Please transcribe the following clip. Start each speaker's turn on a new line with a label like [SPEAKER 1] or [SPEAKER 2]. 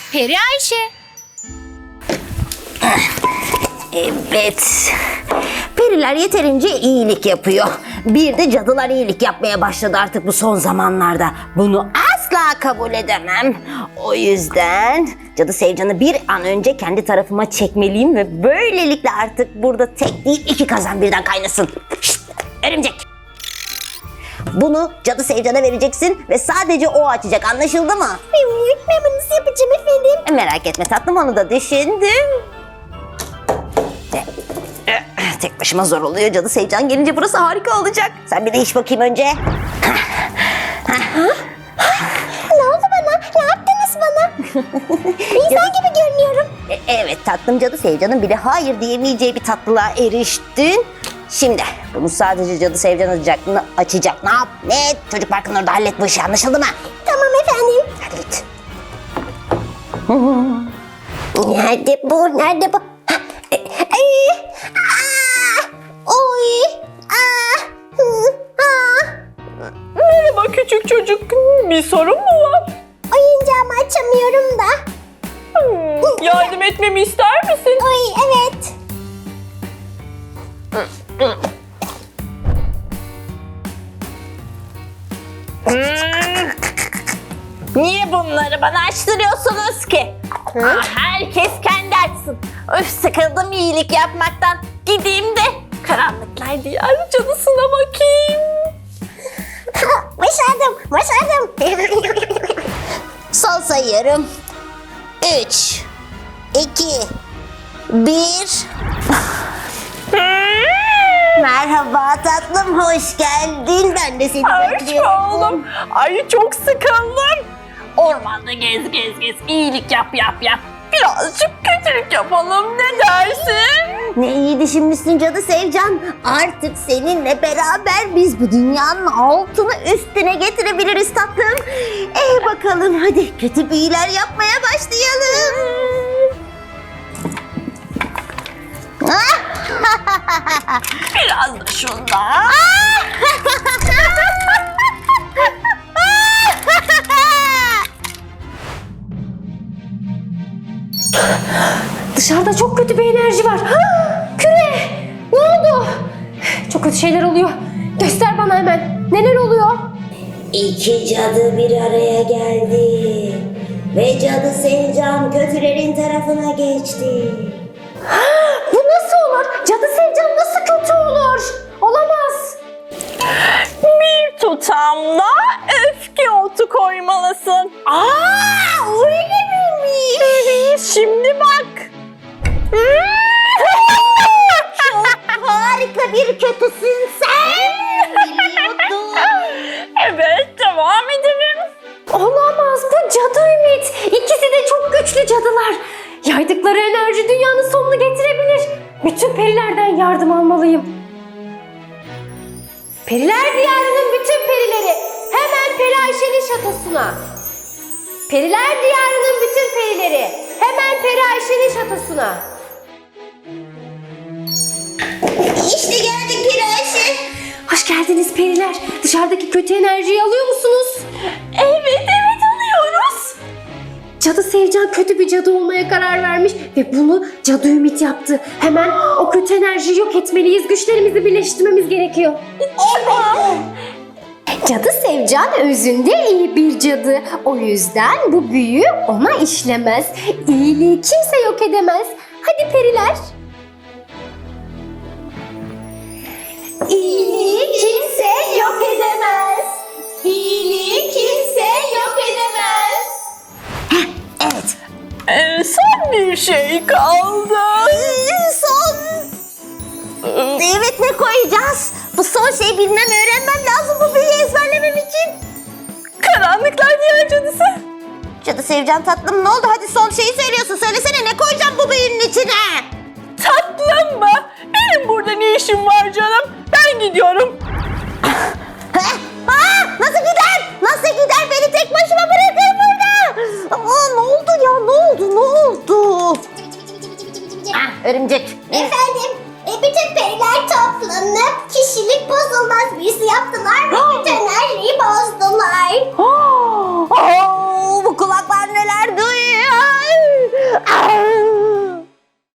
[SPEAKER 1] Peri Ayşe.
[SPEAKER 2] Evet. Periler yeterince iyilik yapıyor. Bir de cadılar iyilik yapmaya başladı artık bu son zamanlarda. Bunu asla kabul edemem. O yüzden Cadı Sevcan'ı bir an önce kendi tarafıma çekmeliyim ve böylelikle artık burada tek değil 2 kazan birden kaynasın. Şşt, örümcek. Bunu Cadı Sevcan'a vereceksin ve sadece o açacak, anlaşıldı mı?
[SPEAKER 3] Ben nasıl yapacağım efendim?
[SPEAKER 2] Merak etme tatlım, onu da düşündüm. Tek başıma zor oluyor. Cadı Sevcan gelince burası harika olacak. Sen bir de iç bakayım önce.
[SPEAKER 3] Ne oldu bana? Ne yaptınız bana? İnsan gibi görünüyorum.
[SPEAKER 2] Evet tatlım, Cadı Sevcan'ın bile hayır diyemeyeceği bir tatlılığa eriştin. Şimdi bunu sadece Cadı Sevcan açacak. Ne yap? Ne? Çocuk parkının orada hallet bu işi, anlaşıldı mı?
[SPEAKER 3] Tamam efendim.
[SPEAKER 2] Hadi git.
[SPEAKER 3] Nerede bu? Nerede bu? Oy!
[SPEAKER 4] Merhaba küçük çocuk. Bir sorun mu var?
[SPEAKER 3] Oyuncağımı açamıyorum da.
[SPEAKER 4] Yardım etmemi ister misin?
[SPEAKER 3] Oy evet.
[SPEAKER 4] Niye bunları bana açtırıyorsunuz ki? Herkes kendi açsın. Öf, sıkıldım iyilik yapmaktan. Gideyim de karanlıklar diyarı cadısına bakayım.
[SPEAKER 3] Başardım. Başardım.
[SPEAKER 2] Son sayıyorum. 3, 2, 1. Merhaba tatlım, hoş geldin. Ben de seni
[SPEAKER 4] Hoş
[SPEAKER 2] bekliyorum.
[SPEAKER 4] oğlum. Ay çok sıkıldım. Ormanda gez. İyilik yap. Birazcık kötülük yapalım, ne dersin?
[SPEAKER 2] Ne iyi düşünmüşsün Cadı Sevcan. Artık seninle beraber biz bu dünyanın altını üstüne getirebiliriz tatlım. Bakalım hadi kötü büyüler yapmaya başlayalım.
[SPEAKER 4] Biraz da şundan.
[SPEAKER 1] Dışarıda çok kötü bir enerji var. Küre! Ne oldu? Çok kötü şeyler oluyor. Göster bana hemen. Neler oluyor?
[SPEAKER 2] 2 cadı bir araya geldi. Ve Cadı Sevcan kötülerin tarafına geçti.
[SPEAKER 1] Bu nasıl olur? Cadı Sevcan nasıl kötü olur? Olamaz.
[SPEAKER 4] Bir tutamda öfke otu koymalısın.
[SPEAKER 2] Öyle miymiş?
[SPEAKER 4] Şimdi bak.
[SPEAKER 2] Harika bir kötüsün sen. Biliyordum.
[SPEAKER 4] Evet, devam edelim.
[SPEAKER 1] Olamaz. Bu cadı Ümit. İkisi de çok güçlü cadılar. Yaydıkları enerji dünyanın sonunu getirebilir. Bütün perilerden yardım almalıyım. Periler diyarının bütün perileri hemen Peri Ayşe'nin şatosuna. Periler diyarının bütün perileri hemen Peri Ayşe'nin şatosuna.
[SPEAKER 2] İşte geldik Peri Ayşe.
[SPEAKER 1] Hoş geldiniz periler. Dışarıdaki kötü enerjiyi alıyor musunuz?
[SPEAKER 4] Evet alıyoruz.
[SPEAKER 1] Cadı Sevcan kötü bir cadı olmaya karar vermiş ve bunu Cadı Ümit yaptı. Hemen o kötü enerjiyi yok etmeliyiz. Güçlerimizi birleştirmemiz gerekiyor. Cadı Sevcan özünde iyi bir cadı. O yüzden bu büyü ona işlemez. İyiliği kimse yok edemez. Hadi periler. İyiliği kimse yok edemez. İyiliği kimse yok edemez.
[SPEAKER 2] Evet.
[SPEAKER 4] Son bir şey kaldı.
[SPEAKER 2] Son. Evet, ne koyacağız? Bu son şeyi bilmem, öğrenmem lazım bu büyüyü ezberlemem için.
[SPEAKER 4] Karanlıklar diyar cadısı.
[SPEAKER 2] Cadı Sevcan tatlım, ne oldu? Hadi son şeyi söylüyorsun. Söylesene, ne koyacağım bu büyünün içine?
[SPEAKER 4] Tatlım mı? Benim burada ne işim var canım? Ben gidiyorum.
[SPEAKER 2] Nasıl gider? Nasıl gider? Beni tek başıma bırakır burada. Ne oldu ya? Ne oldu? Örümcek.
[SPEAKER 3] Efendim, bütün periler toplanıp kişilik bozulmaz büyüsü yaptılar.